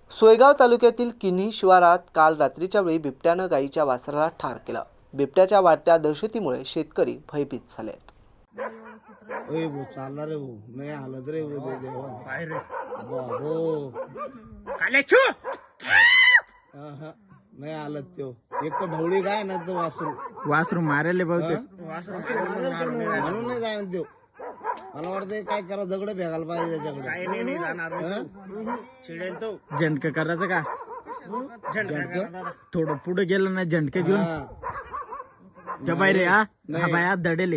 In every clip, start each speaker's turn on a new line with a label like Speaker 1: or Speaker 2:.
Speaker 1: सोयगाव तालुक्यातील किन्ही शिवारात काल रात्रीच्या वेळी बिबट्यानं गायीच्या वासराला ठार केलं। बिबट्याच्या वाढत्या दहशतीमुळे शेतकरी भयभीत झालेत।
Speaker 2: ओए वो चालला रे वो नाही हालत रे वो दे देवा काय रे बाबो काले छू नाही हालत त्यो एक तर ढवळी काय ना तो वासरू मारेले बहुतेक म्हणून नाही जाणार त्यो मला वाटतं काय करा दगड फेकायला पाहिजे त्याच्याकडे काय नाही जाणार चिडेल तो झंडक करायचं का झंडक थोडं पुढे गेलं ना झंडक घेऊन त्या बाहेर हा बाया दडेले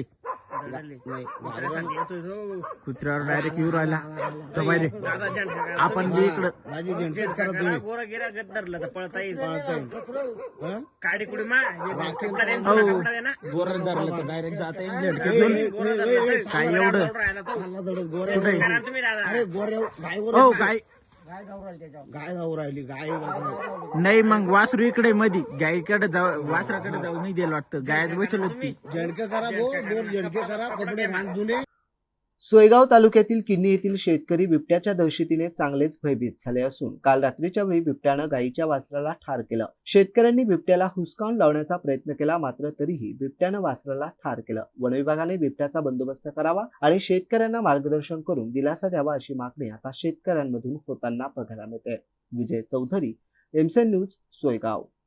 Speaker 2: कुत्र्यावर डायरेक्ट येऊ राहिला तर बाहेर आपण बी इकडं माझी झंडकेच करा तुम्ही गोरा गिरा गद्दरला तर पळता येईल काडी कुडी मा गोरा धरलं तर डायरेक्ट जाता येईल झंडके घेऊन काय एवढं अरे गोऱ्या काय गाय जाऊ राहिली गाय नाही मग वासरू इकडे मधी गायकडे जाऊ वासराकडे जाऊ नाही दिलं वाटतं गायच बसल होती झडके करा दोन झडके करा कपडे बांधून।
Speaker 1: सोयगाव तालुक्यातील किन्ही येथील शेतकरी बिबट्याच्या दहशतीने चांगलेच भयभीत झाले असून काल रात्रीच्या वेळी बिबट्यानं गायीच्या वासराला ठार केलं। शेतकऱ्यांनी बिबट्याला हुसकावून लावण्याचा प्रयत्न केला, मात्र तरीही बिबट्यानं वासराला ठार केलं। वन विभागाने बिबट्याचा बंदोबस्त करावा आणि शेतकऱ्यांना मार्गदर्शन करून दिलासा द्यावा अशी मागणी आता शेतकऱ्यांमधून होताना बघायला मिळते। Vijay Chaudhari, MCN news, Soygaon.